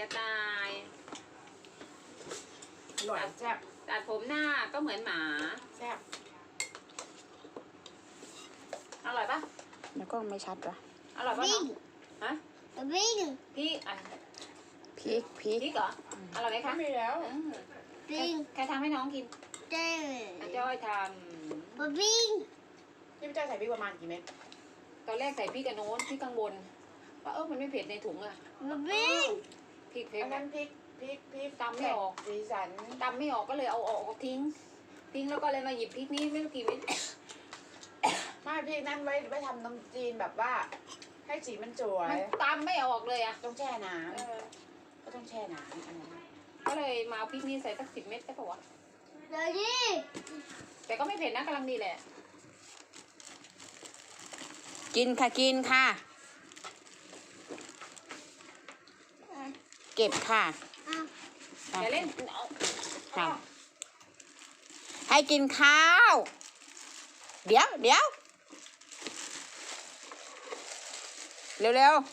จะตายอร่อยแซ่บตัดผมหน้าก็เหมือนหมาแซ่บอร่อยปะแล้วก็ไม่ชัดวะอร่อยปะน้องฮะวิ่งพี่อ่ะพริกพริกเหรออร่อยไหมคะไม่มีแล้ววิ่งใครทำให้น้องกินเต้อาจ้อยทวิ่งพี่เจ้าใส่พริกประมาณกี่เม็ดำตอนแรกใส่พริกกับโน้นพริกข้างบนว่ามันไม่เผ็ดในถุงอะวิ่งพริกเผ็ดอันนั้นพริกตำไม่ออกสีสันตำไม่ออกก็เลยเอาออกทิ้งแล้วก็เลยมาหยิบพริกนี้ไม่รู้กี่เม็ดไม่พริกนั้นไว้ทำนมจีนแบบว่า ให้สีมันสวยมันตำไม่ออกเลยอะต้องแช่น้ำก็ต้องแช่น้ำอันนั้นก็เลยมาเอาพริกนี้ใส่สัก10 เม็ดได้ปะวะเดี๋ยวดิแต่ก็ไม่เผ็ดนะกำลังดีแหละกินค่ะกินค่ะ เก็บค่ะอย่าเล่นเอาค่ะ ให้กินข้าว เดี๋ยวเร็ว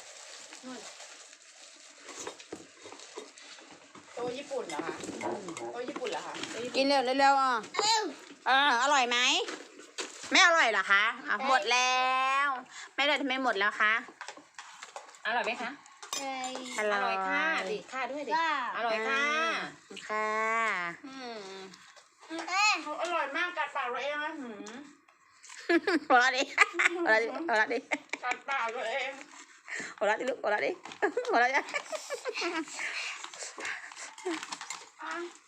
โต๊ะญี่ปุ่นเหรอคะโต๊ะญี่ปุ่นเหรอคะๆกินเร็วอ่ะอร่อยไหมไม่อร่อยเหรอคะอ่ะหมดแล้วไม่ได้ทำไมหมดแล้วคะอร่อยไหมคะออร่ร่ออย ยค่ะดิค่ะด้วยดิค่ะอร่อยค่ะค่ะอร่อยมากกัดปากเราเองนะหัวเราะดิหัวเราะดิกัดปากเราเองหัวเราะดิลูกหัวเราะดิหัวเราะดิอ่ะ